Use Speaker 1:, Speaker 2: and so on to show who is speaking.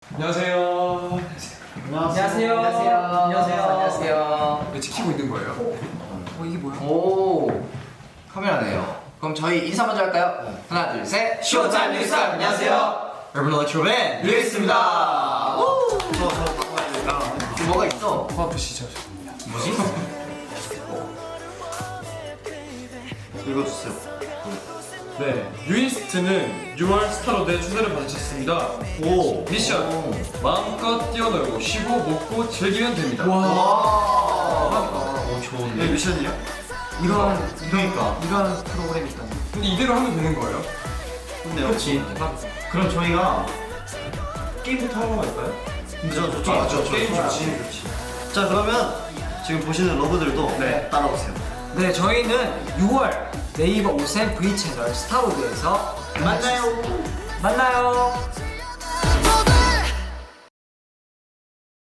Speaker 1: 안녕하세요.
Speaker 2: 안녕하세요. 안녕하세요.
Speaker 1: 왜 지키고 있는 거예요? 이게 뭐야?
Speaker 2: 오, 카메라네요. 그럼 저희 인사 먼저 할까요? 하나, 둘, 셋.
Speaker 3: 쇼타임 뉴스 안녕하세요.
Speaker 2: 여러분 일렉트로맨
Speaker 3: 류이스입니다.
Speaker 2: 저 바꿔야 되니까. 지금 뭐가 있어?
Speaker 1: 코 아프시죠?
Speaker 2: 뭐지?
Speaker 3: 읽어주세요.
Speaker 1: 네, 유인스트는 6월 스타로드의 초대를 받으셨습니다.
Speaker 3: 오.
Speaker 1: 미션! 마음껏 뛰어놀고 쉬고 먹고 즐기면 됩니다.
Speaker 2: 오, 좋은데.
Speaker 3: 네, 미션이요?
Speaker 2: 이런 프로그램이 있다니.
Speaker 1: 근데 이대로 하면 되는 거예요?
Speaker 3: 근데요?
Speaker 2: 그렇지.
Speaker 3: 그럼 저희가 게임부터 하러 갈까요? 좋죠.
Speaker 1: 맞죠. 게임 좋지.
Speaker 3: 자, 그러면 지금 보시는 러브들도
Speaker 1: 네.
Speaker 3: 따라오세요.
Speaker 4: 네, 저희는 6월 네이버 오센 V 채널 스타로드에서
Speaker 3: 만나요.
Speaker 4: 만나요.